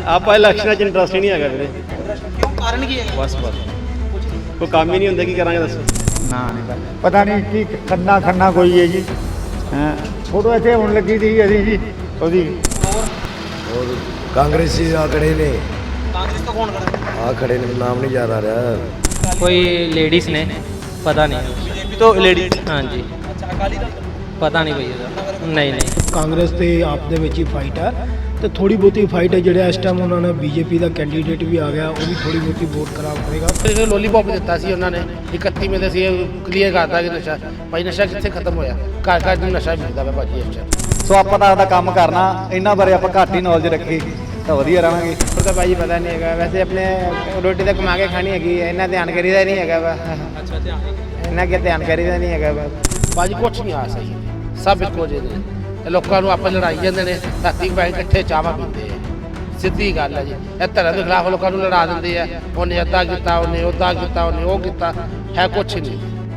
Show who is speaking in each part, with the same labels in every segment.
Speaker 1: ਆਪਾਂ ਇਲੈਕਸ਼ਨਾਂ 'ਚ ਇੰਟਰਸਟ ਹੀ ਨਹੀਂ ਹੈਗਾ ਵੀਰੇ।
Speaker 2: ਕਿਉਂ, ਕਾਰਨ ਕੀ ਹੈ?
Speaker 1: ਬਸ ਕੋਈ ਕੰਮ ਹੀ ਨਹੀਂ ਹੁੰਦਾ, ਕੀ ਕਰਾਂਗੇ ਦੱਸੋ।
Speaker 3: ਨਾ ਨਹੀਂ ਪਤਾ ਨਹੀਂ ਕੀ ਖੰਨਾ ਕੋਈ ਹੈ ਜੀ। ਹਾਂ ਫੋਟੋ ਇੱਥੇ ਹੁਣ ਲੱਗੀ ਸੀ ਅਸੀਂ ਜੀ ਉਹਦੀ।
Speaker 4: और कांग्रेसी आ खड़े ने,
Speaker 2: ਕਾਂਗਰਸ ਤੋਂ ਕੌਣ ਖੜਾ ਹੈ?
Speaker 4: आ खड़े ने, नाम नहीं याद आ रहा।
Speaker 5: कोई लेडीज ने पता नहीं।
Speaker 2: ਬੀਜੇਪੀ ਤੋਂ ਲੇਡੀ।
Speaker 5: हाँ जी
Speaker 2: ਅੱਛਾ, ਅਕਾਲੀ ਦਲ ਤੋਂ?
Speaker 5: पता नहीं भैया। नहीं
Speaker 6: ਕਾਂਗਰਸ ਤੇ ਆਪ ਦੇ ਵਿੱਚ ਹੀ ਫਾਈਟ ਹੈ ਤੇ ਥੋੜੀ ਬਹੁਤੀ ਫਾਈਟ ਹੈ। ਜਿਹੜਾ ਇਸ ਟਾਈਮ ਉਹਨਾਂ ਨੇ ਬੀਜੇਪੀ ਦਾ ਕੈਂਡੀਡੇਟ ਵੀ ਆ ਗਿਆ, ਉਹ ਵੀ ਥੋੜੀ ਬਹੁਤੀ ਵੋਟ ਖਰਾਬ ਕਰੇਗਾ।
Speaker 7: ਲੋਲੀਪੌਪ ਦਿੱਤਾ ਸੀ ਉਹਨਾਂ ਨੇ 31 ਦੇ ਸੀ, ਕਲੀਅਰ ਕਰਤਾ ਕਿ ਨਸ਼ਾ ਭਾਈ ਨਸ਼ਾ ਕਿੱਥੇ ਖਤਮ ਹੋਇਆ, ਘਰ ਘਰ ਨੂੰ ਨਸ਼ਾ ਮਿਲਦਾ ਵਾ ਭਾਜੀ ਇਸ ਟਾਈਮ।
Speaker 3: ਸੋ ਆਪਾਂ ਤਾਂ ਆਪਦਾ ਕੰਮ ਕਰਨਾ, ਇਹਨਾਂ ਬਾਰੇ ਆਪਾਂ ਘੱਟ ਹੀ ਨੌਲੇਜ ਰੱਖੀ ਤਾਂ ਵਧੀਆ ਰਹਾਂਗੇ।
Speaker 7: ਪਰ ਤਾਂ ਭਾਜੀ ਪਤਾ ਨਹੀਂ ਹੈਗਾ, ਵੈਸੇ ਆਪਣੇ ਰੋਟੀ ਤਾਂ ਕਮਾ ਕੇ ਖਾਣੀ ਹੈਗੀ ਹੈ, ਇਹਨਾਂ ਧਿਆਨ ਕਰੀਦਾ ਨਹੀਂ ਹੈਗਾ ਵਾ।
Speaker 2: ਅੱਛਾ, ਧਿਆਨ
Speaker 7: ਇਹਨਾਂ ਕੇ ਧਿਆਨ ਕਰੀਦਾ ਨਹੀਂ ਹੈਗਾ ਵਾ ਭਾਜੀ, ਕੁਛ ਨਹੀਂ ਆ ਸਹੀ, ਸਭ ਇੱਕੋ ਜਿਹੇ ਨੇ। ਇਹ ਲੋਕਾਂ ਨੂੰ ਆਪਾਂ ਲੜਾਈ ਜਾਂਦੇ ਨੇ, ਰਾਤੀ ਬੈਠ ਇਕੱਠੇ ਚਾਹਾਂ ਪੀਂਦੇ ਆ, ਸਿੱਧੀ ਗੱਲ ਹੈ ਜੀ। ਇਹ ਧਰਮ ਦੇ ਖਿਲਾਫ ਲੋਕਾਂ ਨੂੰ ਲੜਾ ਦਿੰਦੇ ਆ, ਉਹਨੇ ਅੱਧਾ ਕੀਤਾ, ਉਹਨੇ ਉਹਦਾ ਕੀਤਾ, ਉਹਨੇ ਉਹ ਕੀਤਾ, ਹੈ ਕੁਛ ਨਹੀਂ।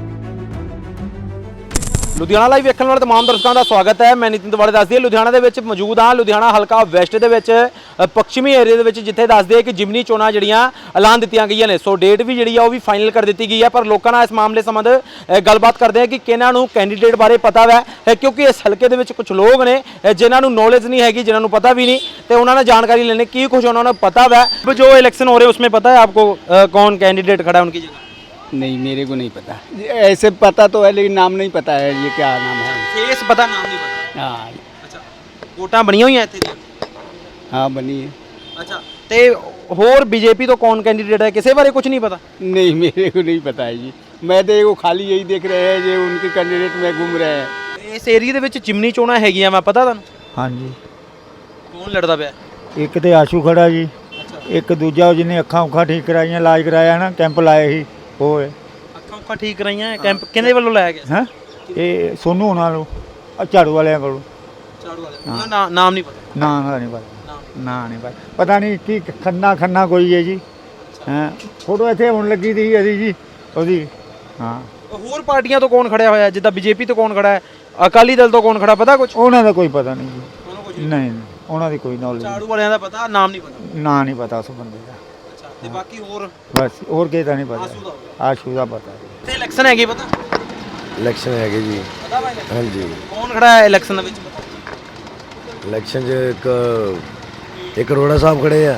Speaker 2: ਲੁਧਿਆਣਾ ਲਾਈਵ ਵੇਖਣ ਵਾਲੇ तमाम ਦਰਸ਼ਕਾਂ ਦਾ ਸਵਾਗਤ ਹੈ। ਮੈਂ ਨਿਤਿਨ ਤਿਵਾੜੀ ਦੱਸਦੀ ਲੁਧਿਆਣਾ ਦੇ ਵਿੱਚ ਮੌਜੂਦ ਹਾਂ। ਲੁਧਿਆਣਾ ਹਲਕਾ ਵੈਸਟ ਦੇ ਵਿੱਚ ਪੱਛਮੀ ਏਰੀਆ ਦੇ ਵਿੱਚ, ਜਿੱਥੇ ਦੱਸਦੇ ਕਿ ਜਿਮਨੀ ਚੋਣਾਂ ਜਿਹੜੀਆਂ ਐਲਾਨ ਦਿੱਤੀਆਂ ਗਈਆਂ ਨੇ। ਸੋ ਡੇਟ ਵੀ ਜਿਹੜੀ ਆ ਉਹ ਵੀ ਫਾਈਨਲ ਕਰ ਦਿੱਤੀ ਗਈ ਹੈ। ਪਰ ਲੋਕਾਂ ਨਾਲ ਇਸ ਮਾਮਲੇ ਸੰਬੰਧ ਗੱਲਬਾਤ ਕਰਦੇ ਆ ਕਿ ਕਿਹਨਾਂ ਨੂੰ ਕੈਂਡੀਡੇਟ ਬਾਰੇ ਪਤਾ ਹੈ, ਕਿਉਂਕਿ ਇਸ ਹਲਕੇ ਦੇ ਵਿੱਚ ਕੁਝ ਲੋਕ ਨੇ ਜਿਨ੍ਹਾਂ ਨੂੰ ਨੌਲੇਜ ਨਹੀਂ ਹੈਗੀ, ਜਿਨ੍ਹਾਂ ਨੂੰ ਪਤਾ ਵੀ ਨਹੀਂ, ਤੇ ਉਹਨਾਂ ਨਾਲ ਜਾਣਕਾਰੀ ਲੈਣੇ ਕੀ ਕੁਝ ਉਹਨਾਂ ਨੂੰ ਪਤਾ है। जो इलेक्शन हो रहे हैं उसमें पता है आपको कौन कैंडिडेट खड़ा है उनकी जगह?
Speaker 3: नहीं मेरे को नहीं पता, ऐसे पता तो है लेकिन नाम नहीं पता है ये क्या नाम है।
Speaker 2: फेस पता, नाम नहीं पता।
Speaker 3: हाँ
Speaker 2: अच्छा, ਵੋਟਾਂ ਬਣੀਆਂ ਹੋਈਆਂ ਇੱਥੇ ਦੀਆਂ?
Speaker 3: हाँ बनी है।
Speaker 2: ਅੱਛਾ, ਤੇ ਹੋਰ ਬੀਜੇਪੀ ਤੋਂ ਕੌਣ ਕੈਂਡੀਡੇਟ ਹੈ, ਕਿਸੇ ਬਾਰੇ ਕੁਝ ਨਹੀਂ ਪਤਾ?
Speaker 3: नहीं मेरे को नहीं पता है जी, मैं तो वो खाली यही देख रहे हैं जो उनके कैंडिडेट में घूम रहे हैं।
Speaker 2: ਇਸ ਏਰੀਆ ਦੇ ਵਿੱਚ ਜਿਮਨੀ ਚੋਣਾਂ ਹੈਗੀਆਂ, ਮੈਂ ਪਤਾ ਤੁਹਾਨੂੰ
Speaker 3: हाँ जी,
Speaker 2: ਕੌਣ ਲੜਦਾ ਪਿਆ?
Speaker 3: ਇੱਕ ਤੇ ਆਸ਼ੂ ਖੜਾ ਜੀ, ਇੱਕ ਦੂਜਾ ਜਿਹਨੇ ਅੱਖਾਂ ਉੱਖਾਂ ਠੀਕ ਕਰਾਈਆਂ, ਇਲਾਜ ਕਰਾਇਆ ਨਾ, ਕੈਂਪ ਲਾਏ ਸੀ, ਉਹ ਹੈ।
Speaker 2: ਅੱਖਾਂ ਉੱਖਾਂ ਠੀਕ ਕਰਾਈਆਂ, ਕੈਂਪ ਕਿਹਦੇ ਵੱਲੋਂ ਲਾਇਆ ਗਿਆ?
Speaker 3: ਹੈਂ ਇਹ ਸੋਨੂ ਉਹਨਾਂ ਨੂੰ ਝਾੜੂ ਵਾਲਿਆਂ ਕੋਲੋਂ।
Speaker 2: ਝਾੜੂ ਵਾਲੇ, ਉਹਦਾ ਨਾਮ ਨਹੀਂ ਪਤਾ?
Speaker 3: ਨਾ ਨਹੀਂ ਪਤਾ, ਨਾ ਨਹੀਂ ਪਤਾ ਨਹੀਂ ਕੀ ਖੰਨਾ ਕੋਈ ਹੈ ਜੀ। ਹਾਂ ਫੋਟੋ ਇੱਥੇ ਹੁਣ ਲੱਗੀ ਸੀ ਅਸੀਂ ਜੀ ਉਹਦੀ। ਹਾਂ
Speaker 2: ਹੋਰ ਪਾਰਟੀਆਂ ਤੋਂ ਕੌਣ ਖੜਿਆ ਹੋਇਆ, ਜਿੱਦਾਂ ਬੀਜੇਪੀ ਤੋਂ ਕੌਣ ਖੜਾ ਹੈ, ਅਕਾਲੀ ਦਲ ਤੋਂ ਕੌਣ ਖੜਾ, ਪਤਾ ਕੁਝ?
Speaker 3: ਉਹਨਾਂ ਦਾ ਕੋਈ ਪਤਾ ਨਹੀਂ ਜੀ, ਨਹੀਂ ਉਹਨਾਂ ਦੀ ਕੋਈ ਨੌਲੇਜ
Speaker 2: ਝਾੜੂ ਵਾਲਿਆਂ ਦਾ ਪਤਾ, ਨਾਮ ਨਹੀਂ ਪਤਾ?
Speaker 3: ਨਾ ਨਹੀਂ ਪਤਾ ਉਸ ਬੰਦੇ ਦਾ।
Speaker 2: ਅੱਛਾ, ਤੇ ਬਾਕੀ ਹੋਰ
Speaker 3: ਬਸ ਹੋਰ ਕਿਸੇ ਦਾ ਨਹੀਂ
Speaker 2: ਆਸ਼ੂ
Speaker 3: ਪਤਾ,
Speaker 2: ਦਾ?
Speaker 3: ਆਸ਼ੂ ਦਾ ਪਤਾ।
Speaker 2: ਤੇ ਇਲੈਕਸ਼ਨ ਹੈਗੀ ਪਤਾ?
Speaker 4: इलेक्शन है जी।
Speaker 2: ਪਤਾ ਵਾ election?
Speaker 4: हाँ जी,
Speaker 2: ਕੌਣ ਖੜਾ ਹੈ ਇਲੈਕਸ਼ਨ ਦੇ ਵਿੱਚ ਪਤਾ?
Speaker 4: इलेक्शन एक अरोड़ा साहब खड़े हैं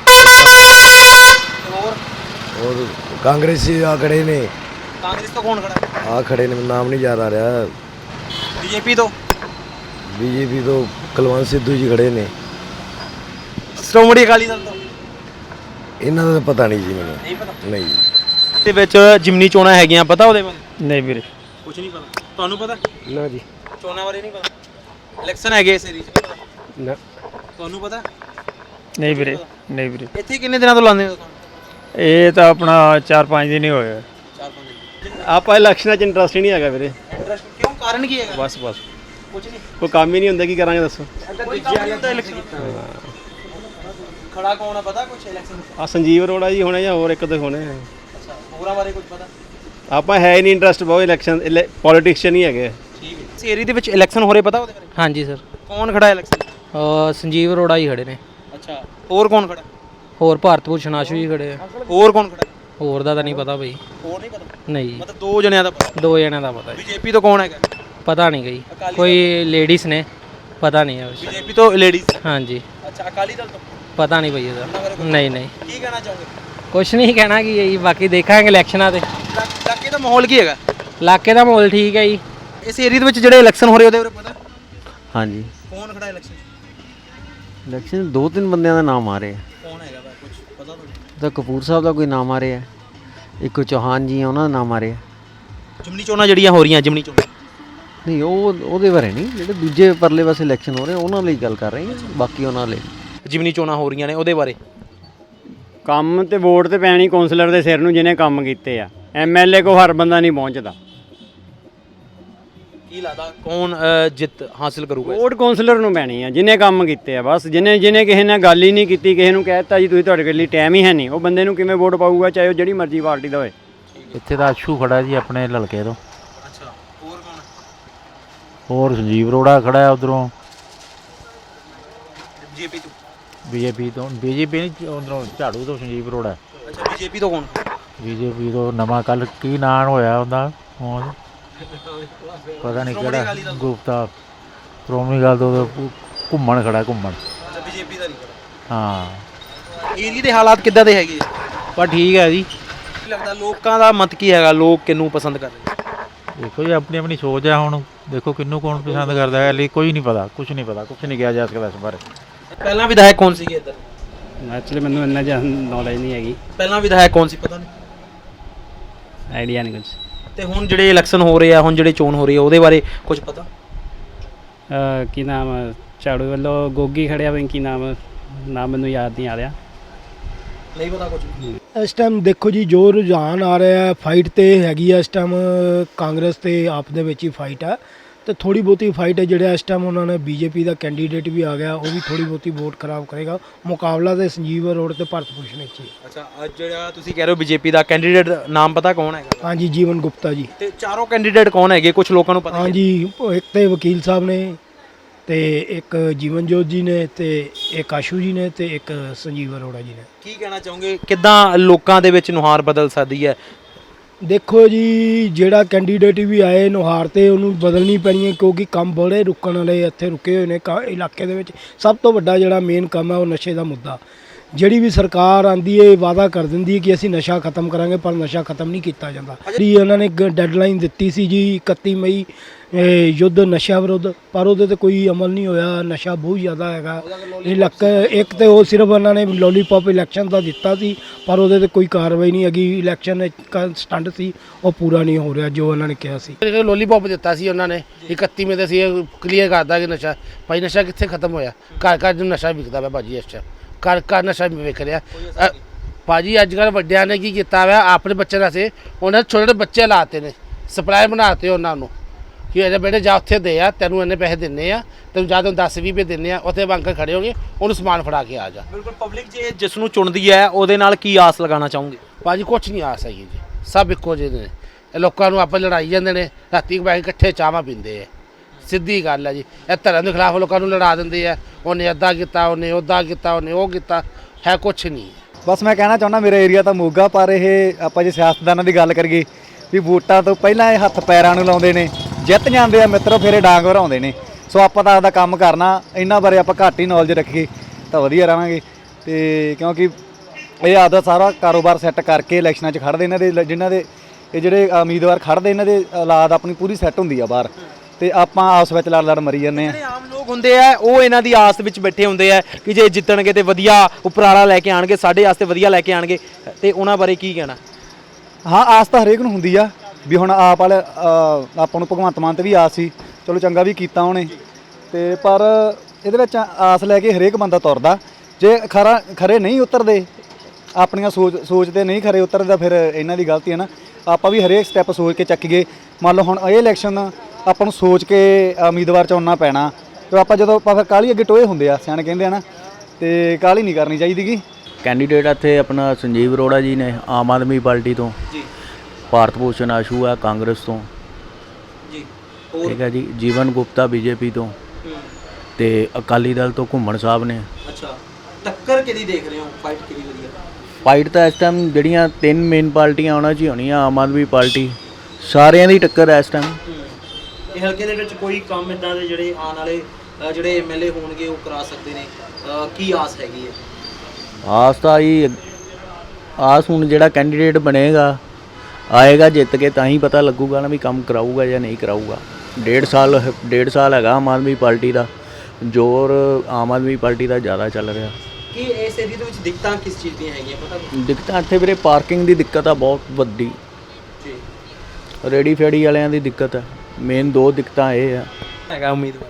Speaker 2: ਹੋਰ
Speaker 4: और कांग्रेसी आ खड़े ने,
Speaker 2: ਕਾਂਗਰਸ ਤੋਂ ਕੌਣ ਖੜਾ ਹੈ?
Speaker 4: आ खड़े ने, नाम नहीं याद आ रहा।
Speaker 2: ਬੀਜੇਪੀ ਤੋਂ?
Speaker 4: बीजेपी तो कुलवंत सिद्धू जी खड़े ने,
Speaker 2: ਸ਼੍ਰੋਮਣੀ ਅਕਾਲੀ ਦਲ ਤੋਂ?
Speaker 4: इन्हों का पता नहीं जी मैंने।
Speaker 2: ਨਹੀਂ ਪਤਾ।
Speaker 4: नहीं
Speaker 2: ਦੇ ਵਿੱਚ ਜਿਮਨੀ ਚੋਣਾਂ ਹੈਗੀਆਂ, ਪਤਾ ਉਹਦੇ ਬਾਰੇ?
Speaker 3: ਨਹੀਂ ਵੀਰੇ
Speaker 2: ਕੁਝ ਨਹੀਂ ਪਤਾ ਤੁਹਾਨੂੰ? ਪਤਾ
Speaker 3: ਨਾ ਜੀ,
Speaker 2: ਚੋਣਾਂ ਬਾਰੇ ਨਹੀਂ ਪਤਾ? ਇਲੈਕਸ਼ਨ ਹੈਗੇ ਇਸ ਏਰੀਆ 'ਚ, ਪਤਾ
Speaker 3: ਨਾ
Speaker 2: ਤੁਹਾਨੂੰ? ਪਤਾ
Speaker 3: ਨਹੀਂ ਵੀਰੇ, ਨਹੀਂ ਵੀਰੇ
Speaker 2: ਇੱਥੇ ਕਿੰਨੇ ਦਿਨਾਂ ਤੋਂ ਲਾਉਂਦੇ ਹੋ?
Speaker 3: ਇਹ ਤਾਂ ਆਪਣਾ 4-5 ਦਿਨ ਹੀ ਹੋਏ।
Speaker 2: 4-5 ਦਿਨ।
Speaker 1: ਆਪਾਂ ਇਲੈਕਸ਼ਨਾਂ 'ਚ ਇੰਟਰਸਟ ਹੀ ਨਹੀਂ ਹੈਗਾ ਵੀਰੇ।
Speaker 2: ਇੰਟਰਸਟ ਕਿਉਂ, ਕਾਰਨ ਕੀ ਹੈਗਾ?
Speaker 1: ਬਸ
Speaker 2: ਕੁਝ ਨਹੀਂ।
Speaker 1: ਕੋਈ ਕੰਮ ਹੀ ਨਹੀਂ ਹੁੰਦਾ, ਕੀ ਕਰਾਂਗੇ ਦੱਸੋ।
Speaker 2: ਕੋਈ ਕੰਮ ਨਹੀਂ ਹੁੰਦਾ ਇਲੈਕਸ਼ਨ ਖੜਾ ਕੌਣ ਆ, ਪਤਾ ਕੁਝ ਇਲੈਕਸ਼ਨ?
Speaker 1: ਆ ਸੰਜੀਵ ਅਰੋੜਾ ਜੀ ਹੋਣੇ ਜਾਂ ਹੋਰ ਇੱਕ ਦੋ ਹੋਣੇ।
Speaker 2: ਅੱਛਾ, ਹੋਰਾਂ ਬਾਰੇ ਕੁਝ ਪਤਾ?
Speaker 1: ਆਪਾਂ ਹੈ ਹੀ ਨਹੀਂ ਇੰਟਰਸਟ ਬਹੁਤ ਇਲੈਕਸ਼ਨ, ਪੋਲੀਟਿਕਸ ਨਹੀਂ ਹੈਗੇ।
Speaker 2: ਠੀਕ ਹੈ। ਇਸ ਏਰੀਆ ਦੇ ਵਿੱਚ ਇਲੈਕਸ਼ਨ ਹੋ ਰਹੇ, ਪਤਾ ਉਹਦੇ ਬਾਰੇ?
Speaker 5: हाँ जी सर,
Speaker 2: ਕੌਣ ਖੜਾ ਇਲੈਕਸ਼ਨ?
Speaker 5: संजीव अरोड़ा ही खड़े ने।
Speaker 2: ਅੱਛਾ, ਹੋਰ ਕੌਣ ਖੜਾ?
Speaker 5: होर भारत भूषण आशू ही खड़े आ।
Speaker 2: ਹੋਰ ਕੌਣ ਖੜਾ?
Speaker 5: होर दा नहीं पता भाई।
Speaker 2: ਹੋਰ ਨਹੀਂ ਪਤਾ?
Speaker 5: नहीं
Speaker 2: ਮਤਲਬ ਦੋ ਜਣਿਆਂ ਦਾ ਪਤਾ।
Speaker 5: दो जने का पता है,
Speaker 2: ਬੀਜੇਪੀ ਤੋਂ ਕੌਣ ਹੈਗਾ?
Speaker 5: पता नहीं गई
Speaker 2: अकाली
Speaker 5: कोई लेडीज ने, पता नहीं है वैसे।
Speaker 2: ਬੀਜੇਪੀ ਤੋਂ ਲੇਡੀਜ਼?
Speaker 5: हाँ जी,
Speaker 2: ਅੱਛਾ, ਅਕਾਲੀ ਦਲ ਤੋਂ?
Speaker 5: पता नहीं भैया सर। नहीं नहीं
Speaker 2: ਕੀ ਕਹਿਣਾ ਚਾਹੋਗੇ?
Speaker 5: कुछ नहीं कहना कि यही, बाकी देखेंगे इलेक्शनां ते।
Speaker 2: ਇਲਾਕੇ ਦਾ ਮਾਹੌਲ ਕੀ ਹੈਗਾ?
Speaker 5: इलाके का माहौल ठीक है जी।
Speaker 2: ਇਸ ਏਰੀਆ ਦੇ ਵਿੱਚ ਜਿਹੜੇ ਇਲੈਕਸ਼ਨ ਹੋ ਰਹੇ ਉਹਦੇ ਬਾਰੇ ਪਤਾ?
Speaker 8: ਹਾਂਜੀ,
Speaker 2: ਕੌਣ ਖੜਾ ਇਲੈਕਸ਼ਨ?
Speaker 8: ਇਲੈਕਸ਼ਨ 2-3 ਬੰਦਿਆਂ ਦਾ ਨਾਮ ਆ ਰਿਹਾ।
Speaker 2: ਕੌਣ ਹੈਗਾ ਵਾ, ਕੁਝ ਪਤਾ ਤੁਹਾਨੂੰ?
Speaker 8: ਤਾਂ ਕਪੂਰ ਸਾਹਿਬ ਦਾ ਕੋਈ ਨਾਮ ਆ ਰਿਹਾ, ਇੱਕ ਚੌਹਾਨ ਜੀ ਆ, ਉਹਨਾਂ ਦਾ ਨਾਮ ਆ ਰਿਹਾ।
Speaker 2: ਜਿਮਨੀ ਚੋਣਾਂ ਜਿਹੜੀਆਂ ਹੋ ਰਹੀਆਂ, ਜਿਮਨੀ ਚੋਣਾਂ
Speaker 8: ਨਹੀਂ ਉਹਦੇ ਬਾਰੇ ਨਹੀਂ, ਜਿਹੜੇ ਦੂਜੇ ਪਰਲੇ ਪਾਸੇ ਇਲੈਕਸ਼ਨ ਹੋ ਰਹੇ ਉਹਨਾਂ ਲਈ ਗੱਲ ਕਰ ਰਹੇ ਹਾਂ, ਬਾਕੀ ਉਹਨਾਂ ਲਈ।
Speaker 2: ਜਿਮਨੀ ਚੋਣਾਂ ਹੋ ਰਹੀਆਂ ਨੇ ਉਹਦੇ ਬਾਰੇ
Speaker 9: ਕੰਮ ਤੇ ਵੋਟ ਤੇ ਪੈਣੀ ਕੌਂਸਲਰ ਦੇ ਸਿਰ ਨੂੰ ਜਿਹਨੇ ਕੰਮ ਕੀਤੇ ਆ। ਐਮਐਲਏ ਕੋ ਹਰ ਬੰਦਾ ਨਹੀਂ ਪਹੁੰਚਦਾ।
Speaker 2: ਕੀ ਲੱਗਦਾ ਕੌਣ ਜਿੱਤ ਹਾਸਿਲ ਕਰੂਗਾ?
Speaker 9: ਵੋਟ ਕੌਂਸਲਰ ਨੂੰ ਪੈਣੀ ਆ ਜਿਹਨੇ ਕੰਮ ਕੀਤੇ ਆ। ਬਸ ਜਿਹਨੇ ਕਿਸੇ ਨਾਲ ਗੱਲ ਹੀ ਨਹੀਂ ਕੀਤੀ, ਕਿਸੇ ਨੂੰ ਕਹਿ ਦਿੱਤਾ ਜੀ ਤੁਸੀਂ ਤੁਹਾਡੇ ਲਈ ਟਾਈਮ ਹੀ ਹੈ ਨਹੀਂ, ਉਹ ਬੰਦੇ ਨੂੰ ਕਿਵੇਂ ਵੋਟ ਪਾਊਗਾ, ਚਾਹੇ ਉਹ ਜਿਹੜੀ ਮਰਜ਼ੀ ਪਾਰਟੀ ਦਾ ਹੋਏ।
Speaker 10: ਇੱਥੇ ਦਾ ਆਸ਼ੂ ਖੜਾ ਜੀ ਆਪਣੇ ਲਲਕੇ ਤੋਂ।
Speaker 2: ਅੱਛਾ, ਹੋਰ ਕੌਣ?
Speaker 10: ਹੋਰ ਸੰਜੀਵ ਅਰੋੜਾ ਖੜਾ ਹੈ ਉਧਰੋਂ।
Speaker 2: ਬੀਜੇਪੀ ਤੋਂ?
Speaker 10: ਬੀਜੇਪੀ ਤੋਂ ਨਹੀਂ ਉਧਰੋਂ ਝਾੜੂ ਤੋਂ ਸੰਜੀਵ ਅਰੋੜਾ।
Speaker 2: ਅੱਛਾ ਬੀਜੇਪੀ ਤੋਂ ਕੌਣ?
Speaker 10: ਬੀਜੇਪੀ ਤੋਂ ਨਵਾਂ ਕੱਲ ਕੀ ਨਾਂ ਹੋਇਆ ਉਹਦਾ ਹੁਣ ਪਤਾ ਨਹੀਂ ਕਿਹੜਾ ਗੁਪਤਾ ਸ਼੍ਰੋਮਣੀ ਗੱਲ ਤੋਂ ਘੁੰਮਣ ਖੜਾ ਘੁੰਮਣ।
Speaker 2: ਅੱਛਾ ਬੀਜੇਪੀ ਦਾ ਨਹੀਂ
Speaker 10: ਹਾਂ
Speaker 2: ਏਰੀਆ ਦੇ ਹਾਲਾਤ ਕਿੱਦਾਂ ਦੇ ਹੈਗੇ?
Speaker 10: ਪਰ ਠੀਕ ਹੈ ਜੀ।
Speaker 2: ਕੀ ਲੱਗਦਾ ਲੋਕਾਂ ਦਾ ਮਤ ਕੀ ਹੈਗਾ, ਲੋਕ ਕਿਹਨੂੰ ਪਸੰਦ ਕਰ ਰਹੇ?
Speaker 10: ਦੇਖੋ ਜੀ ਆਪਣੀ ਆਪਣੀ ਸੋਚ ਹੈ ਹੁਣ ਦੇਖੋ ਕਿਹਨੂੰ ਕੌਣ ਪਸੰਦ ਕਰਦਾ ਹੈ ਲਈ ਕੋਈ ਨਹੀਂ ਪਤਾ ਕੁਝ ਨਹੀਂ ਕਿਹਾ ਜਾ ਸਕਦਾ ਇਸ ਬਾਰੇ।
Speaker 2: ਪਹਿਲਾਂ ਵਿਧਾਇਕ ਕੌਣ ਸੀਗੇ ਇੱਧਰ?
Speaker 9: ਐਕਚੁਅਲੀ ਮੈਨੂੰ ਇੰਨਾ ਜਿਹਾ ਨੌਲੇਜ ਨਹੀਂ ਹੈਗੀ,
Speaker 2: ਪਹਿਲਾਂ ਵਿਧਾਇਕ ਕੌਣ ਸੀ ਪਤਾ ਨਹੀਂ?
Speaker 9: ਆਈਡੀਆ ਨਹੀਂ ਕੁਝ।
Speaker 2: ਤੇ ਹੁਣ ਜਿਹੜੇ ਇਲੈਕਸ਼ਨ ਹੋ ਰਹੇ ਆ, ਹੁਣ ਜਿਹੜੇ ਚੋਣ ਹੋ ਰਹੀ ਆ ਉਹਦੇ ਬਾਰੇ ਕੁਝ ਪਤਾ?
Speaker 9: ਕੀ ਨਾਮ ਝਾੜੂ ਵੱਲੋਂ ਗੋਗੀ ਖੜਿਆ ਵੇ, ਕੀ ਨਾਮ ਮੈਨੂੰ ਯਾਦ ਨਹੀਂ ਆ ਰਿਹਾ।
Speaker 2: ਨਹੀਂ ਪਤਾ ਕੁਝ?
Speaker 6: ਇਸ ਟਾਈਮ ਦੇਖੋ ਜੀ ਜੋ ਰੁਝਾਨ ਆ ਰਿਹਾ ਫਾਈਟ ਤੇ ਹੈਗੀ ਆ ਇਸ ਟਾਈਮ ਕਾਂਗਰਸ ਤੇ ਆਪ ਦੇ ਵਿੱਚ ਹੀ ਫਾਈਟ ਆ ਤੇ ਥੋੜੀ ਬਹੁਤੀ ਫਾਈਟ ਹੈ ਜਿਹੜਾ ਇਸ ਟਾਈਮ ਉਹਨਾਂ ਨੇ ਬੀਜੇਪੀ ਦਾ ਕੈਂਡੀਡੇਟ ਵੀ ਆ ਗਿਆ, ਉਹ ਵੀ ਥੋੜੀ ਬਹੁਤੀ ਵੋਟ ਖਰਾਬ ਕਰੇਗਾ। ਮੁਕਾਬਲਾ ਤੇ ਸੰਜੀਵ ਅਰੋੜਾ ਤੇ ਭਾਰਤ ਭੂਸ਼ਣ ਵਿੱਚ ਹੀ।
Speaker 2: ਅੱਛਾ ਅੱਜ ਜਿਹੜਾ ਤੁਸੀਂ ਕਹਿ ਰਹੇ ਹੋ ਬੀਜੇਪੀ ਦਾ ਕੈਂਡੀਡੇਟ ਨਾਮ ਪਤਾ ਕੌਣ ਹੈਗਾ?
Speaker 6: ਹਾਂਜੀ ਜੀਵਨ ਗੁਪਤਾ ਜੀ।
Speaker 2: ਤੇ ਚਾਰੋਂ ਕੈਂਡੀਡੇਟ ਕੌਣ ਹੈਗੇ ਕੁਝ ਲੋਕਾਂ ਨੂੰ ਪਤਾ?
Speaker 6: ਹਾਂਜੀ ਇੱਕ ਤੇ ਵਕੀਲ ਸਾਹਿਬ ਨੇ ਤੇ ਇੱਕ ਜੀਵਨਜੋਤ ਜੀ ਨੇ ਤੇ ਇੱਕ ਆਸ਼ੂ ਜੀ ਨੇ ਤੇ ਇੱਕ ਸੰਜੀਵ ਅਰੋੜਾ ਜੀ ਨੇ।
Speaker 2: ਕੀ ਕਹਿਣਾ ਚਾਹੋਗੇ ਕਿੱਦਾਂ ਲੋਕਾਂ ਦੇ ਵਿੱਚ ਨੁਹਾਰ ਬਦਲ ਸਕਦੀ ਹੈ?
Speaker 6: ਦੇਖੋ ਜੀ ਜਿਹੜਾ ਕੈਂਡੀਡੇਟ ਵੀ ਆਏ ਨੁਹਾਰ ਤੇ ਉਹਨੂੰ ਬਦਲਣੀ ਪੈਣੀ ਹੈ ਕਿਉਂਕਿ ਕੰਮ ਬੜੇ ਰੁਕਣ ਵਾਲੇ ਇੱਥੇ ਰੁਕੇ ਹੋਏ ਨੇ ਇਲਾਕੇ ਦੇ ਵਿੱਚ। ਸਭ ਤੋਂ ਵੱਡਾ ਜਿਹੜਾ ਮੇਨ ਕੰਮ ਹੈ ਉਹ ਨਸ਼ੇ ਦਾ ਮੁੱਦਾ। ਜਿਹੜੀ ਵੀ ਸਰਕਾਰ ਆਂਦੀ ਹੈ ਵਾਅਦਾ ਕਰ ਦਿੰਦੀ ਹੈ ਕਿ ਅਸੀਂ ਨਸ਼ਾ ਖਤਮ ਕਰਾਂਗੇ ਪਰ ਨਸ਼ਾ ਖਤਮ ਨਹੀਂ ਕੀਤਾ ਜਾਂਦਾ। ਜਿਹੜੀ ਉਹਨਾਂ ਨੇ ਡੈਡਲਾਈਨ ਦਿੱਤੀ ਸੀ ਜੀ 31 ਮਈ ਯੁੱਧ ਨਸ਼ਾ ਵਿਰੁੱਧ, ਪਰ ਉਹਦੇ ਤੇ ਕੋਈ ਅਮਲ ਨਹੀਂ ਹੋਇਆ। ਨਸ਼ਾ ਬਹੁਤ ਜ਼ਿਆਦਾ ਹੈਗਾ ਇਲਾਕਾ। ਇੱਕ ਤੇ ਉਹ ਸਿਰਫ ਉਹਨਾਂ ਨੇ ਲੋਲੀਪੌਪ ਇਲੈਕਸ਼ਨ ਦਾ ਦਿੱਤਾ ਸੀ ਪਰ ਉਹਦੇ ਤੇ ਕੋਈ ਕਾਰਵਾਈ ਨਹੀਂ ਹੈਗੀ। ਇਲੈਕਸ਼ਨ ਸਟੰਟ ਸੀ ਉਹ ਪੂਰਾ ਨਹੀਂ ਹੋ ਰਿਹਾ ਜੋ ਉਹਨਾਂ ਨੇ ਕਿਹਾ ਸੀ।
Speaker 7: ਲੋਲੀਪੌਪ ਦਿੱਤਾ ਸੀ ਉਹਨਾਂ ਨੇ 31 ਮਈ ਤੇ ਸੀ ਕਲੀਅਰ ਕਰਦਾ ਕਿ ਨਸ਼ਾ ਭਾਈ ਨਸ਼ਾ ਕਿੱਥੇ ਖਤਮ ਹੋਇਆ। ਘਰ ਘਰ ਨੂੰ ਨਸ਼ਾ ਵਿਕਦਾ ਵਾ ਭਾਜੀ, ਇਸ ਟਾਈਮ ਘਰ ਨਸ਼ਾ ਵਿਕ ਰਿਹਾ ਭਾਜੀ। ਅੱਜ ਕੱਲ੍ਹ ਵੱਡਿਆਂ ਨੇ ਕੀ ਕੀਤਾ ਵਾ ਆਪਣੇ ਬੱਚੇ ਵਾਸਤੇ ਉਹਨਾਂ ਨੇ ਛੋਟੇ ਬੱਚੇ ਲਾਤੇ ਨੇ, ਸਪਲਾਈ ਬਣਾਤੇ ਉਹਨਾਂ ਨੂੰ ਕਿ ਇਹਦੇ ਬੇਟੇ ਜਾ ਉੱਥੇ ਦੇ ਆ, ਤੈਨੂੰ ਇੰਨੇ ਪੈਸੇ ਦਿੰਨੇ ਆ, ਤੈਨੂੰ ਜਾਂ ਤੈਨੂੰ 10-20 ਰੁਪਏ ਦਿੰਨੇ ਆ, ਉੱਥੇ ਬੰਕਰ ਖੜੇ ਹੋਗੇ ਉਹਨੂੰ ਸਮਾਨ ਫੜਾ ਕੇ ਆ ਜਾ।
Speaker 2: ਬਿਲਕੁਲ ਪਬਲਿਕ ਜੇ ਜਿਸ ਨੂੰ ਚੁਣਦੀ ਹੈ ਉਹਦੇ ਨਾਲ ਕੀ ਆਸ ਲਗਾਉਣਾ ਚਾਹੋਗੇ?
Speaker 7: ਭਾਜੀ ਕੁਛ ਨਹੀਂ ਆਸ ਹੈਗੀ ਜੀ, ਸਭ ਇੱਕੋ ਜਿਹੇ ਨੇ। ਇਹ ਲੋਕਾਂ ਨੂੰ ਆਪਾਂ ਲੜਾਈ ਜਾਂਦੇ ਨੇ, ਰਾਤੀ ਬੈਠ ਕੇ ਇਕੱਠੇ ਚਾਹਾਂ ਪੀਂਦੇ ਆ। ਸਿੱਧੀ ਗੱਲ ਹੈ ਜੀ। ਇਹ ਧਰਮ ਦੇ ਖਿਲਾਫ ਲੋਕਾਂ ਨੂੰ ਲੜਾ ਦਿੰਦੇ ਆ, ਉਹਨੇ ਅੱਧਾ ਕੀਤਾ, ਉਹਨੇ ਉੱਦਾਂ ਕੀਤਾ, ਉਹਨੇ ਉਹ ਕੀਤਾ, ਹੈ ਕੁਛ ਨਹੀਂ।
Speaker 3: ਬਸ ਮੈਂ ਕਹਿਣਾ ਚਾਹੁੰਦਾ ਮੇਰਾ ਏਰੀਆ ਤਾਂ ਮੋਗਾ, ਪਰ ਇਹ ਆਪਾਂ ਜੇ ਸਿਆਸਤਦਾਨਾਂ ਦੀ ਗੱਲ ਕਰੀਏ ਵੀ ਵੋਟਾਂ ਤੋਂ ਪਹਿਲਾਂ ਇਹ ਹੱਥ ਪੈਰਾਂ ਨੂੰ ਲਾਉਂਦੇ ਨੇ, ਜਿੱਤ ਜਾਂਦੇ ਆ ਮਿੱਤਰੋ ਫਿਰ ਇਹ ਡਾਂਗ ਵਰਾਉਂਦੇ ਨੇ। ਸੋ ਆਪਾਂ ਤਾਂ ਆਪਦਾ ਕੰਮ ਕਰਨਾ, ਇਹਨਾਂ ਬਾਰੇ ਆਪਾਂ ਘੱਟ ਹੀ ਨੌਲੇਜ ਰੱਖੀਏ ਤਾਂ ਵਧੀਆ ਰਹਾਂਗੇ। ਤੇ ਕਿਉਂਕਿ ਇਹ ਆਪਦਾ ਸਾਰਾ ਕਾਰੋਬਾਰ ਸੈੱਟ ਕਰਕੇ ਇਲੈਕਸ਼ਨਾਂ 'ਚ ਖੜ੍ਹਦੇ ਇਹਨਾਂ ਦੇ ਜਿਨ੍ਹਾਂ ਦੇ ਇਹ ਜਿਹੜੇ ਉਮੀਦਵਾਰ ਖੜ੍ਹਦੇ ਇਹਨਾਂ ਦੇ ਔਲਾਦ ਆਪਣੀ ਪੂਰੀ ਸੈੱਟ ਹੁੰਦੀ ਆ ਬਾਹਰ, ਤੇ ਆਪਾਂ ਆਪਸ ਵਿੱਚ ਲੜ ਮਰੀ ਜਾਂਦੇ ਆ।
Speaker 2: ਜਿਹੜੇ ਆਮ ਲੋਕ ਹੁੰਦੇ ਆ ਉਹ ਇਹਨਾਂ ਦੀ ਆਸ ਵਿੱਚ ਬੈਠੇ ਹੁੰਦੇ ਆ ਕਿ ਜੇ ਜਿੱਤਣਗੇ ਤੇ ਵਧੀਆ ਉਪਰਾਲਾ ਲੈ ਕੇ ਆਣਗੇ, ਸਾਡੇ ਵਾਸਤੇ ਵਧੀਆ ਲੈ ਕੇ ਆਣਗੇ, ਤੇ ਉਹਨਾਂ ਬਾਰੇ ਕੀ ਕਹਿਣਾ?
Speaker 3: ਹਾਂ ਆਸ ਤਾਂ ਹਰੇਕ ਨੂੰ ਹੁੰਦੀ ਆ ਵੀ ਹੁਣ ਆਪ ਵਾਲੇ ਆਪਾਂ ਨੂੰ ਭਗਵੰਤ ਮਾਨ ਤੇ ਵੀ ਆਸ ਸੀ, ਚਲੋ ਚੰਗਾ ਵੀ ਕੀਤਾ ਉਹਨੇ, ਤੇ ਪਰ ਇਹਦੇ ਵਿੱਚ ਆਸ ਲੈ ਕੇ ਹਰੇਕ ਬੰਦਾ ਤੁਰਦਾ। ਜੇ ਖਰੇ ਨਹੀਂ ਉਤਰਦੇ, ਆਪਣੀਆਂ ਸੋਚ ਤੇ ਨਹੀਂ ਖਰੇ ਉਤਰਦਾ, ਫਿਰ ਇਹਨਾਂ ਦੀ ਗਲਤੀ ਹੈ ਨਾ। ਆਪਾਂ ਵੀ ਹਰੇਕ ਸਟੈਪ ਸੋਚ ਕੇ ਚੱਕੀਏ। ਮੰਨ ਲਓ ਹੁਣ ਇਹ ਇਲੈਕਸ਼ਨ ਆਪਾਂ ਨੂੰ ਸੋਚ ਕੇ ਉਮੀਦਵਾਰ ਚੁਣਨਾ ਪੈਣਾ, ਤੇ ਆਪਾਂ ਜਦੋਂ ਆਪਾਂ ਫਿਰ ਕਾਹਲੀ ਅੱਗੇ ਟੋਏ ਹੁੰਦੇ ਆ, ਸਿਆਣੇ ਕਹਿੰਦੇ ਆ ਨਾ, ਤੇ ਕਾਹਲੀ ਨਹੀਂ ਕਰਨੀ ਚਾਹੀਦੀ ਗੀ।
Speaker 8: ਕੈਂਡੀਡੇਟ ਇੱਥੇ ਆਪਣਾ ਸੰਜੀਵ ਅਰੋੜਾ ਜੀ ਨੇ ਆਮ ਆਦਮੀ ਪਾਰਟੀ ਤੋਂ
Speaker 2: ਜੀ,
Speaker 8: ਭਾਰਤ ਭੂਸ਼ਣ ਆਸ਼ੂ ਹੈ ਕਾਂਗਰਸ ਤੋਂ
Speaker 2: ਜੀ,
Speaker 8: ਠੀਕ ਹੈ ਜੀ, ਜੀਵਨ ਗੁਪਤਾ ਬੀਜੇਪੀ ਤੋਂ, ਤੇ ਅਕਾਲੀ ਦਲ ਤੋਂ ਘੁੰਮਣ ਸਾਹਿਬ ਨੇ।
Speaker 2: ਅੱਛਾ ਟੱਕਰ ਕਿਹਦੀ ਦੇਖ ਰਹੇ ਹੋ? ਫਾਈਟ ਕਿਹਦੀ ਵਧੀਆ?
Speaker 8: ਫਾਈਟ ਤਾਂ ਇਸ ਟਾਈਮ ਜਿਹੜੀਆਂ ਤਿੰਨ ਮੇਨ ਪਾਰਟੀਆਂ ਉਹਨਾਂ 'ਚ ਹੀ ਹੋਣੀਆਂ, ਆਮ ਆਦਮੀ ਪਾਰਟੀ, ਸਾਰਿਆਂ ਦੀ ਟੱਕਰ ਹੈ ਇਸ ਟਾਈਮ।
Speaker 2: ਇਹ ਹਲਕੇ ਦੇ ਵਿੱਚ ਕੋਈ ਕੰਮ ਇਦਾਂ ਦੇ ਜਿਹੜੇ ਆਉਣ ਵਾਲੇ ਜਿਹੜੇ ਐਮਐਲਏ ਹੋਣਗੇ ਉਹ ਕਰਾ ਸਕਦੇ ਨੇ, ਕੀ ਆਸ ਹੈਗੀ ਹੈ?
Speaker 8: ਆਸ ਤਾਂ ਹੀ ਆਸ ਹੁਣ ਜਿਹੜਾ ਕੈਂਡੀਡੇਟ ਬਣੇਗਾ ਆਏਗਾ ਜਿੱਤ ਕੇ ਤਾਂ ਹੀ ਪਤਾ ਲੱਗੂਗਾ ਨਾ ਵੀ ਕੰਮ ਕਰਾਊਗਾ ਜਾਂ ਨਹੀਂ ਕਰਾਊਗਾ। ਡੇਢ ਸਾਲ ਹੈਗਾ ਆਮ ਆਦਮੀ ਪਾਰਟੀ ਦਾ ਜ਼ੋਰ, ਆਮ ਆਦਮੀ ਪਾਰਟੀ ਦਾ ਜ਼ਿਆਦਾ ਚੱਲ ਰਿਹਾ।
Speaker 2: ਕੀ ਇਸ ਏਰੀਆ ਦੇ ਵਿੱਚ ਦਿੱਕਤਾਂ ਕਿਸ ਚੀਜ਼ ਦੀਆਂ ਹੈਗੀਆਂ ਪਤਾ?
Speaker 8: ਦਿੱਕਤਾਂ ਇੱਥੇ ਵੀਰੇ ਪਾਰਕਿੰਗ ਦੀ ਦਿੱਕਤ ਆ ਬਹੁਤ ਵੱਡੀ,
Speaker 2: ਜੀ,
Speaker 8: ਰੇੜੀ ਫੇੜੀ ਵਾਲਿਆਂ ਦੀ ਦਿੱਕਤ ਹੈ। ਮੇਨ ਦੋ ਦਿੱਕਤਾਂ ਇਹ ਆ।
Speaker 2: ਹੈਗਾ ਉਮੀਦਵਾਰ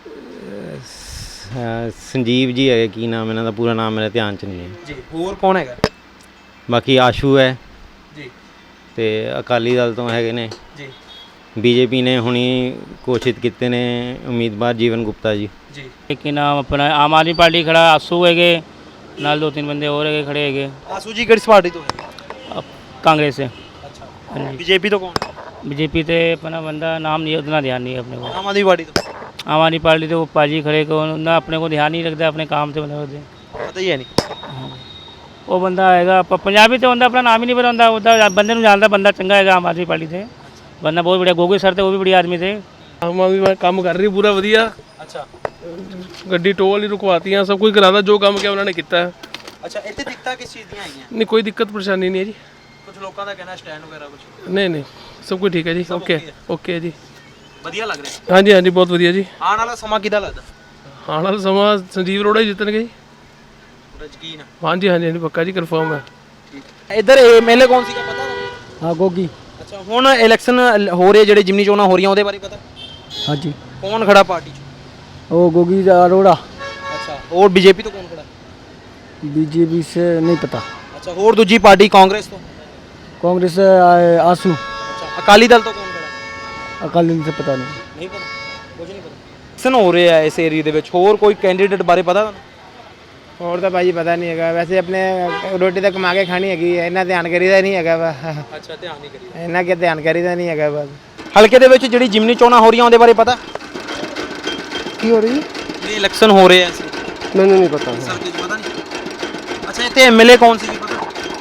Speaker 11: ਸੰਜੀਵ ਜੀ ਹੈਗੇ, ਕੀ ਨਾਮ ਇਹਨਾਂ ਦਾ ਪੂਰਾ ਨਾਮ ਮੇਰੇ ਧਿਆਨ 'ਚ ਨਹੀਂ ਹੈ
Speaker 2: ਜੀ। ਹੋਰ ਕੌਣ ਹੈਗਾ?
Speaker 11: ਬਾਕੀ ਆਸ਼ੂ ਹੈ
Speaker 2: ਜੀ,
Speaker 11: ਤੇ ਅਕਾਲੀ ਦਲ ਤੋਂ ਹੈਗੇ ਨੇ
Speaker 2: ਜੀ,
Speaker 11: ਬੀਜੇਪੀ ਨੇ ਹੁਣੀ ਘੋਸ਼ਿਤ ਕੀਤੇ ਨੇ ਉਮੀਦਵਾਰ ਜੀਵਨ ਗੁਪਤਾ ਜੀ।
Speaker 2: ਜੀ
Speaker 5: ਕੀ ਨਾਮ ਆਪਣਾ ਆਮ ਆਦਮੀ ਪਾਰਟੀ ਖੜਾ ਆਸੂ ਹੈਗੇ, ਨਾਲ 2-3 ਬੰਦੇ ਹੋਰ ਹੈਗੇ ਖੜੇ ਹੈਗੇ।
Speaker 2: ਆਸੂ ਜੀ ਕਿਹੜੀ ਪਾਰਟੀ ਤੋਂ ਹੈ?
Speaker 5: ਕਾਂग्रेस से।
Speaker 2: ਅੱਛਾ,
Speaker 5: हाँ जी।
Speaker 2: बीजेपी तो कौन?
Speaker 5: बीजेपी से अपना बंदा नाम नहीं, उतना ध्यान नहीं है अपने को।
Speaker 2: आम आदमी पार्टी तो?
Speaker 5: आम आदमी पार्टी तो वो पाजी खड़े को ना, अपने को ध्यान नहीं रखता अपने काम से, मतलब
Speaker 2: ਪਤਾ ਹੀ ਹੈ ਨਹੀਂ।
Speaker 5: ਉਹ ਬੰਦਾ ਆਏਗਾ ਪੰਜਾਬੀ ਤੇ ਹੁੰਦਾ, ਆਪਣਾ ਨਾਮ ਹੀ ਨਹੀਂ ਪਤਾ ਹੁੰਦਾ, ਉਹਦਾ ਬੰਦੇ ਨੂੰ ਜਾਣਦਾ, ਬੰਦਾ ਚੰਗਾ ਹੈਗਾ ਆਮ ਆਦਮੀ ਪਾਰਟੀ ਤੇ, ਬੰਦਾ ਬਹੁਤ बढ़िया। ਗੋਗੇ ਸਰ ਤੇ ਉਹ ਵੀ ਬੜੀ ਆਦਮੀ थे।
Speaker 12: ਆਮ ਆਦਮੀ ਕੰਮ ਕਰ ਰਹੀ ਪੂਰਾ ਵਧੀਆ।
Speaker 2: ਅੱਛਾ,
Speaker 12: ਗੱਡੀ ਟੋਲ ਹੀ ਰੁਕਵਾਤੀਆਂ, ਸਭ ਕੁਝ ਕਰਾਦਾ, ਜੋ ਕੰਮ ਕਿਹਾ ਉਹਨਾਂ ਨੇ ਕੀਤਾ।
Speaker 2: ਅੱਛਾ, ਇੱਥੇ ਦਿੱਕਤਾਂ ਕਿਸ ਚੀਜ਼ ਦੀਆਂ ਆਈਆਂ?
Speaker 12: ਨਹੀਂ ਕੋਈ ਦਿੱਕਤ ਪਰੇਸ਼ਾਨੀ ਨਹੀਂ ਹੈ ਜੀ।
Speaker 2: ਕੁਝ ਲੋਕਾਂ ਦਾ ਕਹਿਣਾ ਸਟੈਂਡ ਵਗੈਰਾ ਕੁਝ
Speaker 12: ਨਹੀਂ ਨਹੀਂ ਸਭ ਕੁਝ ਠੀਕ ਹੈ ਜੀ। ਓਕੇ ਓਕੇ ਜੀ,
Speaker 2: ਵਧੀਆ ਲੱਗ ਰਿਹਾ।
Speaker 12: ਹਾਂਜੀ ਹਾਂਜੀ ਬਹੁਤ ਵਧੀਆ ਜੀ।
Speaker 2: ਆਉਣ ਵਾਲਾ ਸਮਾਂ ਕਿਹਦਾ ਲੱਗਦਾ?
Speaker 12: ਆਉਣ ਵਾਲਾ ਸਮਾਂ ਸੰਜੀਵ ਅਰੋੜਾ ਹੀ ਜਿੱਤਣਗੇ ਜੀ।
Speaker 2: ਪੂਰਾ ਯਕੀਨ ਹੈ?
Speaker 12: ਹਾਂਜੀ ਹਾਂਜੀ ਹਾਂਜੀ ਪੱਕਾ ਜੀ, ਕਨਫਰਮ ਹੈ।
Speaker 2: ਇੱਧਰ ਐਮਐਲਏ ਕੌਣ ਸੀਗਾ ਪਤਾ?
Speaker 6: ਹਾਂ ਗੋਗੀ।
Speaker 2: ਅੱਛਾ, ਹੁਣ ਇਲੈਕਸ਼ਨ ਹੋ ਰਹੇ ਜਿਹੜੇ ਜਿਮਨੀ ਚੋਣਾਂ ਹੋ ਰਹੀਆਂ ਉਹਦੇ ਬਾਰੇ ਪਤਾ?
Speaker 6: ਹਾਂਜੀ
Speaker 2: ਕੌਣ ਖੜਾ ਪਾਰਟੀ 'ਚ?
Speaker 6: ਉਹ गोगी अरोड़ा।
Speaker 2: ਅੱਛਾ, ਹੋਰ ਬੀਜੇਪੀ ਤੋਂ ਕੌਣ ਖੜਾ?
Speaker 6: बीजेपी से नहीं पता।
Speaker 2: ਅੱਛਾ, ਹੋਰ ਦੂਜੀ ਪਾਰਟੀ ਕਾਂਗਰਸ ਤੋਂ?
Speaker 6: कांग्रेस से आंसू।
Speaker 2: ਅੱਛਾ, ਅਕਾਲੀ ਦਲ ਤੋਂ ਕੌਣ ਖੜਾ?
Speaker 6: अकाली से पता नहीं।
Speaker 2: ਨਹੀਂ ਪਤਾ, ਕੁਝ ਨਹੀਂ ਪਤਾ। ਇਲੈਕਸ਼ਨ ਹੋ ਰਹੇ ਆ ਇਸ ਏਰੀਆ ਦੇ ਵਿੱਚ, ਹੋਰ ਕੋਈ ਕੈਂਡੀਡੇਟ ਬਾਰੇ ਪਤਾ ਤੁਹਾਨੂੰ?
Speaker 13: ਹੋਰ ਤਾਂ ਭਾਜੀ ਪਤਾ ਨਹੀਂ ਹੈਗਾ, ਵੈਸੇ ਆਪਣੇ ਰੋਟੀ ਤਾਂ ਕਮਾ ਕੇ ਖਾਣੀ ਹੈਗੀ ਹੈ, ਇੰਨਾ ਧਿਆਨ ਕਰੀਦਾ ਨਹੀਂ ਹੈਗਾ ਵਾ।
Speaker 2: ਅੱਛਾ, ਧਿਆਨ ਨਹੀਂ ਕਰੀਦਾ।
Speaker 13: ਇੰਨਾ ਕਿ ਧਿਆਨ ਕਰੀਦਾ ਨਹੀਂ ਹੈਗਾ ਬਸ।
Speaker 2: ਹਲਕੇ ਦੇ ਵਿੱਚ ਜਿਹੜੀ ਜਿਮਨੀ ਚੋਣਾਂ ਹੋ ਰਹੀਆਂ ਉਹਦੇ ਬਾਰੇ ਪਤਾ?
Speaker 13: ਕੀ ਹੋ ਰਹੀ ਹੈ?
Speaker 2: ਇਹ ਇਲੈਕਸ਼ਨ ਹੋ ਰਹੇ ਆ ਇਸ
Speaker 13: ਮੈਨੂੰ ਨਹੀਂ ਪਤਾ
Speaker 2: ਸਰ, ਕੁਝ ਪਤਾ ਨਹੀਂ। ਅੱਛਾ, ਇੱਥੇ ਐਮਐਲਏ ਕੌਣ ਸੀ ਪਤਾ?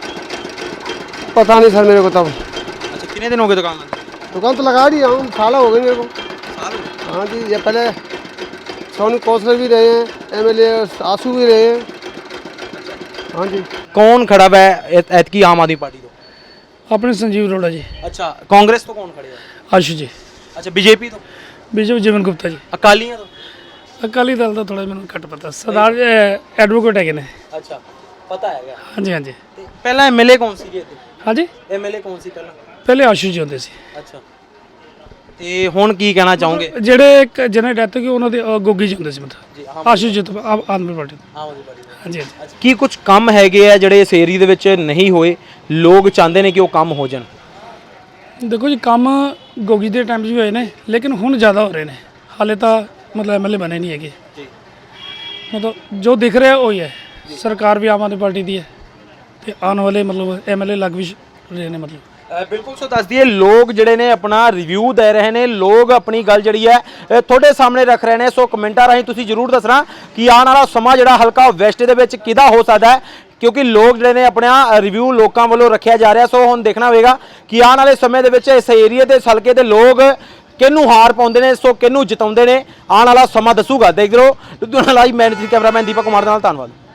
Speaker 13: पता नहीं सर मेरे को तब।
Speaker 2: ਅੱਛਾ, ਕਿੰਨੇ ਦਿਨ ਹੋ ਗਏ ਦੁਕਾਨ ਲਗਾਏ?
Speaker 13: दुकान तो लगा रही हूँ, साल हो गए मेरे को।
Speaker 2: ਸਾਲ ਹੋ ਗਏ।
Speaker 13: हाँ जी, ये पहले सोनू कौंसलर भी रहे हैं, एमएलए आंसू भी रहे हैं। हाँ जी।
Speaker 2: ਕੌਣ ਖੜਾ ਹੈ ਐਤਕੀ ਆਮ ਆਦਮੀ ਪਾਰਟੀ ਤੋਂ?
Speaker 6: अपने संजीव अरोड़ा जी।
Speaker 2: ਅੱਛਾ, ਕਾਂਗਰਸ ਤੋਂ ਕੌਣ ਖੜੇ ਆ?
Speaker 6: आशु जी।
Speaker 2: ਅੱਛਾ, ਬੀਜੇਪੀ ਤੋਂ?
Speaker 6: बीजेपी जीवन गुप्ता जी।
Speaker 2: ਅਕਾਲੀਆਂ ਤੋਂ?
Speaker 6: अकाली दल का थोड़ा मैंने घट पता। सरदार एडवोकेट है ने।
Speaker 2: ਅੱਛਾ, ਪਤਾ ਹੈਗਾ।
Speaker 6: हाँ जी हाँ जी।
Speaker 2: ਤੇ ਪਹਿਲਾਂ ਐਮਐਲਏ ਕੌਣ ਸੀਗੇ ਇੱਥੇ?
Speaker 6: हाँ जी,
Speaker 2: ਐਮਐਲਏ ਕੌਣ ਸੀ ਪਹਿਲਾਂ?
Speaker 6: पहले आशु जी होंगे सी।
Speaker 2: ਅੱਛਾ, ਤੇ ਹੁਣ ਕੀ ਕਹਿਣਾ ਚਾਹੋਗੇ?
Speaker 6: ਜਿਹੜੇ ਜਿਹਨਾਂ ਡੈਥ ਹੋ ਗਈ ਉਹਨਾਂ ਦੇ ਗੋਗੀ ਜੀ ਹੁੰਦੇ ਸੀ, ਮਤਲਬ ਆਸ਼ੂ ਜੀ ਤੋਂ ਆਮ ਆਦਮੀ ਪਾਰਟੀ ਤੋਂ।
Speaker 2: ਆਮ ਆਦਮੀ ਪਾਰਟੀ ਤੋਂ।
Speaker 6: ਹਾਂਜੀ ਹਾਂਜੀ।
Speaker 2: ਕੀ ਕੁਝ ਕੰਮ ਹੈਗੇ ਆ ਜਿਹੜੇ ਇਸ ਏਰੀਆ ਦੇ ਵਿੱਚ ਨਹੀਂ ਹੋਏ, ਲੋਕ ਚਾਹੁੰਦੇ ਨੇ ਕਿ ਉਹ ਕੰਮ ਹੋ ਜਾਣ?
Speaker 6: ਦੇਖੋ ਜੀ, ਕੰਮ ਗੋਗੀ ਦੇ ਟਾਈਮ 'ਚ ਵੀ ਹੋਏ ਨੇ, ਲੇਕਿਨ ਹੁਣ ਜ਼ਿਆਦਾ ਹੋ ਰਹੇ ਨੇ। ਹਾਲੇ ਤਾਂ ਮਤਲਬ ਐਮਐਲਏ ਬਣੇ ਨਹੀਂ ਹੈਗੇ। ਮਤਲਬ ਜੋ ਦਿਖ ਰਿਹਾ ਉਹੀ ਹੈ। ਸਰਕਾਰ ਵੀ ਆਮ ਆਦਮੀ ਪਾਰਟੀ ਦੀ ਹੈ ਤੇ ਆਉਣ ਵਾਲੇ ਮਤਲਬ ਐਮਐਲਏ ਲੱਗ ਵੀ ਰਹੇ ਨੇ ਮਤਲਬ।
Speaker 2: ਬਿਲਕੁਲ, ਸੋ ਦੱਸ ਦਈਏ ਲੋਕ ਜਿਹੜੇ ਨੇ ਆਪਣਾ ਰਿਵਿਊ ਦੇ ਰਹੇ ਨੇ, ਲੋਕ ਆਪਣੀ ਗੱਲ ਜਿਹੜੀ ਹੈ ਤੁਹਾਡੇ ਸਾਹਮਣੇ ਰੱਖ ਰਹੇ ਨੇ। ਸੋ ਕਮੈਂਟਾਂ ਰਾਹੀਂ ਤੁਸੀਂ ਜ਼ਰੂਰ ਦੱਸਣਾ ਕਿ ਆਉਣ ਵਾਲਾ ਸਮਾਂ ਜਿਹੜਾ ਹਲਕਾ ਵੈਸਟ ਦੇ ਵਿੱਚ ਕਿਹਦਾ ਹੋ ਸਕਦਾ ਹੈ, ਕਿਉਂਕਿ ਲੋਕ ਜਿਹੜੇ ਨੇ ਆਪਣਾ ਰਿਵਿਊ ਲੋਕਾਂ ਵੱਲੋਂ ਰੱਖਿਆ ਜਾ ਰਿਹਾ। ਸੋ ਹੁਣ ਦੇਖਣਾ ਹੋਵੇਗਾ ਕਿ ਆਉਣ ਵਾਲੇ ਸਮੇਂ ਦੇ ਵਿੱਚ ਇਸ ਏਰੀਆ ਦੇ ਹਲਕੇ ਦੇ ਲੋਕ ਕਿਹਨੂੰ ਹਾਰ ਪਾਉਂਦੇ ਨੇ, ਸੋ ਕਿਹਨੂੰ ਜਿਤਾਉਂਦੇ ਨੇ, ਆਉਣ ਵਾਲਾ ਸਮਾਂ ਦੱਸੂਗਾ। ਦੇਖਦੇ ਰਹੋ ਲੁਧਿਆਣਾ ਲਾਈਵ। ਮੈਂ ਕੈਮਰਾਮੈਨ ਦੀਪਕ ਕੁਮਾਰ ਦੇ ਨਾਲ, ਧੰਨਵਾਦ।